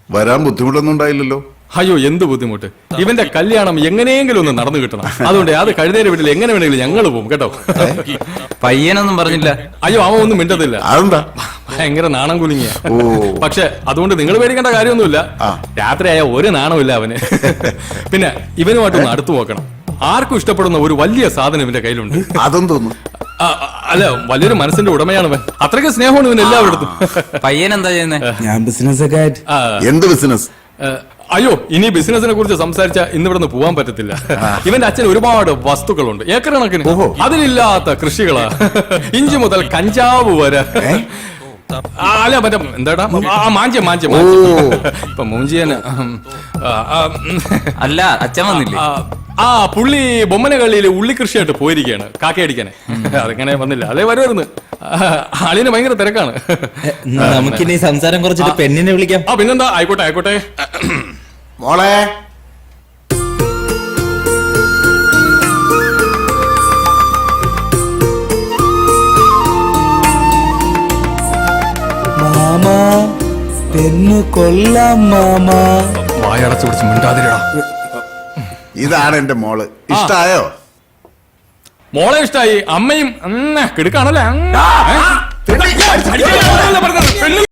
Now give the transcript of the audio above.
വരാൻ ബുദ്ധിമുട്ടൊന്നും ഉണ്ടായില്ലല്ലോ? അയ്യോ, എന്ത് ബുദ്ധിമുട്ട്! ഇവന്റെ കല്യാണം എങ്ങനെയെങ്കിലും ഒന്ന് നടന്നു കിട്ടണം. അതുകൊണ്ട് അത് കഴുതേരെ വീട്ടിൽ എങ്ങനെ വേണമെങ്കിലും ഞങ്ങൾ പോകും കേട്ടോ. പയ്യനൊന്നും പറഞ്ഞില്ല? അയ്യോ, അവൻ ഒന്നും മിണ്ടത്തില്ല. അതെന്താ? ഭയങ്കര നാണം കുലുങ്ങിയ. പക്ഷെ അതുകൊണ്ട് നിങ്ങൾ പേടിക്കേണ്ട കാര്യമൊന്നുമില്ല. രാത്രിയായ ഒരു നാണമില്ല അവന്. പിന്നെ ഇവനുമായിട്ടൊന്ന് അടുത്തു നോക്കണം. ആർക്കും ഇഷ്ടപ്പെടുന്ന ഒരു വലിയ സാധനം ഇവന്റെ കയ്യിലുണ്ട്. അതെന്തോന്നു? അല്ല, വലിയൊരു മനസ്സിന്റെ ഉടമയാണ് അവൻ. അത്രയ്ക്ക് സ്നേഹമാണ് ഇവൻ എല്ലാവരുടെ. പയ്യൻ എന്താ ചെയ്യുന്നത്? ഞാൻ ബിസിനസ് ഒക്കെ ആയിട്ട്. എന്ത് ബിസിനസ്? അയ്യോ, ഇനി ബിസിനസിനെ കുറിച്ച് സംസാരിച്ച ഇന്നിവിടെ പോകാൻ പറ്റത്തില്ല. ഇവന്റെ അച്ഛൻ ഒരുപാട് വസ്തുക്കളുണ്ട്, ഏക്കർ കണക്കിന്. അതിലില്ലാത്ത കൃഷികളാ. ഇഞ്ചി മുതൽ കഞ്ചാവ് വരെ. അല്ല, മറ്റേ എന്താടാ, മാഞ്ചം. ഇപ്പൊ മൂഞ്ചിയന്. അല്ല, അച്ഛൻ വന്നില്ലേ? പുള്ളി ബൊമ്മന കളിയില് ഉള്ളി കൃഷിയായിട്ട് പോയിരിക്കുകയാണ്, കാക്കയടിക്കാനെ. അതിങ്ങനെ വന്നില്ല. അതേ വരുമായിരുന്നു. ആളിന് ഭയങ്കര തിരക്കാണ്. നമുക്കിനി സംസാരം കുറച്ചിട്ട് പെണ്ണിനെ വിളിക്കാം. പിന്നെന്താ, ആയിക്കോട്ടെ. മോളെ, മാമാ, പെണ്ണ് കൊള്ളാം മാമാ. വായടച്ചു പിടിച്ച് മിണ്ടാതിരടാ. ഇതാണ് എന്റെ മോള്. ഇഷ്ടായോ? മോളെ ഇഷ്ടായി. അമ്മയും കിടക്കാണല്ലേ.